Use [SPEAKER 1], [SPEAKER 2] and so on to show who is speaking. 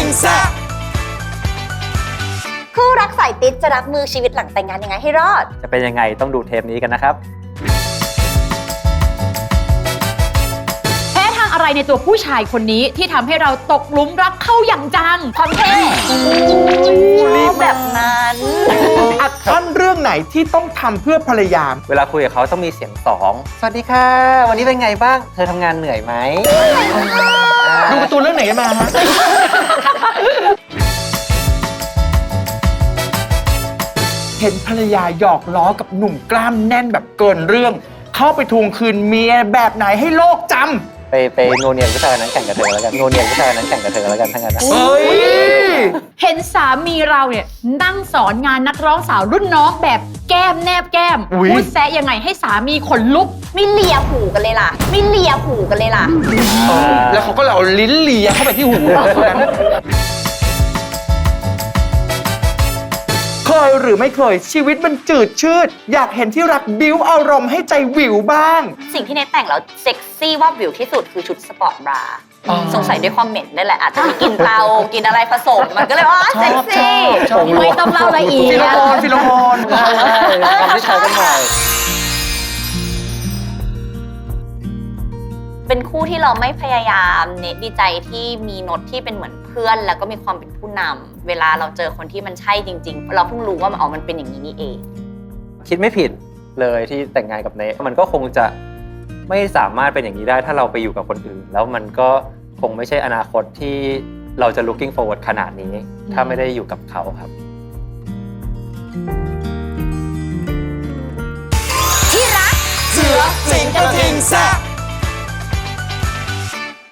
[SPEAKER 1] แซ่บ
[SPEAKER 2] คู่รักสายติดจะรับมือชีวิตหลังแต่งงานยังไงให้รอด
[SPEAKER 3] จะเป็นยังไงต้องดูเทปนี้กันนะครับ
[SPEAKER 4] แพ้ทางอะไรในตัวผู้ชายคนนี้ที่ทำให้เราตกหลุมรักเข้าอย่างจัง
[SPEAKER 2] ความเท่แบบนั้น
[SPEAKER 1] อัดอั้นเรื่องไหนที่ต้องทำเพื่อภรรยา
[SPEAKER 3] เวลาคุยกับเขาต้องมีเสียงสองสวัสดีค่ะวันนี้เป็นไงบ้างเธอทำงานเหนื่อยไหม
[SPEAKER 1] ดูการ์ตูนเรื่องไหนกันมาฮะเห็นภรรยาหยอกล้อกับหนุ่มกล้ามแน่นแบบเกินเรื่องเข้าไปทวงคืนเมียแบบไหนให้โลกจำ
[SPEAKER 3] ไปโนเนียนผู้ชายนั้นแข่งกับเธอแล้วกันโนเนียนผู้ชายนั้นแข่งกับเธอแล้วกันทั้งนั้นนะ
[SPEAKER 1] เฮ้ย
[SPEAKER 4] เห็นสามีเราเนี่ยนั่งสอนงานนักร้องสาวรุ่นน้องแบบแก้มแนบแก้มพูดแซะยังไงให้สามีขนลุก
[SPEAKER 2] ไม่เลียหูกันเลยล่ะ
[SPEAKER 1] แล้วเขาก็เอาลิ้นเลียเข้าไปที่หูเคยหรือไม่เคยชีวิตมันจืดชืดอยากเห็นที่รักบิ้วอารมณ์ให้ใจวิวบ้าง
[SPEAKER 2] สิ่งที่เนทแต่งแล้วเซ็กซี่ว่าวิวที่สุดคือชุดสปอร์ตบราสงสัยด้วยความเหม็นนี่แหละอาจจะมีกินเตากินอะไรผสมมันก็เลยว่าเซ็กซี่
[SPEAKER 4] ไม่ต้องเล่าละเอียด
[SPEAKER 1] ฟิโลโมน
[SPEAKER 3] ทำที่ใช้กันหน่อย
[SPEAKER 2] เป็นคู่ที่เราไม่พยายามเนทดีใจที่มีโน้ตที่เป็นเหมือนเพื่อนแล้วก็มีความเป็นผู้นำเวลาเราเจอคนที่มันใช่จริงๆเราเพิ่งรู้ว่ามันเป็นอย่างนี้นี่เอง
[SPEAKER 3] คิดไม่ผิดเลยที่แต่งงานกับเนทมันก็คงจะไม่สามารถเป็นอย่างนี้ได้ถ้าเราไปอยู่กับคนอื่นแล้วมันก็คงไม่ใช่อนาคตที่เราจะ looking forward ขนาดนี้ถ้าไม่ได้อยู่กับเขาครับ
[SPEAKER 2] ที่รักเสือสิงกระทิงแซ่บ